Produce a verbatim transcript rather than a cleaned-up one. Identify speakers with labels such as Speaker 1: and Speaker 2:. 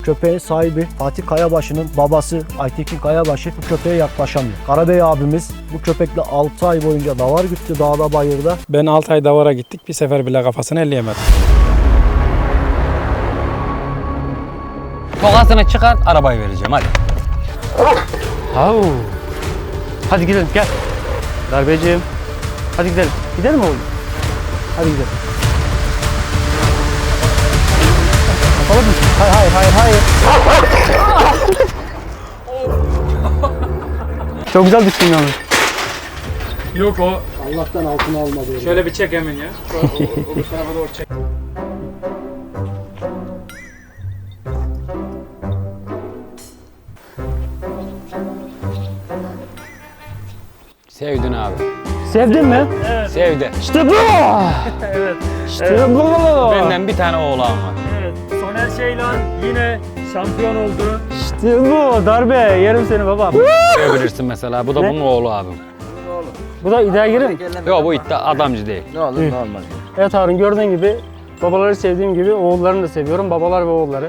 Speaker 1: köpeğin sahibi Fatih Kayabaşı'nın babası Aytekin Kayabaşı bu köpeğe yaklaşamıyor. Karabey abimiz bu köpekle altı ay boyunca davar güttü dağda bayırda.
Speaker 2: Ben altı ay davara gittik. Bir sefer bile kafasını elleyemedim.
Speaker 3: Tokasını çıkart, arabayı vereceğim hadi.
Speaker 4: Au. Hadi gidelim gel. Darbeciğim. Hadi gidelim. Gidelim oğlum. Hadi gidelim. Kapalı mı? Hayır hayır hayır hayır. Çok güzel düştün yalnız.
Speaker 2: Yok o.
Speaker 1: Allah'tan altına almadı.
Speaker 2: Şöyle bir çek hemen ya. Şu, o, o, o bu tarafa doğru çek.
Speaker 3: Sevdin abi.
Speaker 4: Sevdin mi?
Speaker 3: Sevdi.
Speaker 4: İşte bu.
Speaker 2: Evet.
Speaker 4: İşte bu.
Speaker 3: Benden bir tane oğlan var.
Speaker 2: Evet. Soner Şeylan yine şampiyon oldu.
Speaker 4: İşte bu. Darbe. Yerim seni babam.
Speaker 3: Görebilirsin mesela. Bu da
Speaker 4: Ne?
Speaker 3: bunun oğlu abim.
Speaker 4: Bu da İddiagirim.
Speaker 3: Yok bu iddia adamcı değil.
Speaker 5: Ne olur ne olmaz.
Speaker 4: Evet Harun gördüğün gibi babaları sevdiğim gibi oğullarını da seviyorum. Babalar ve oğulları.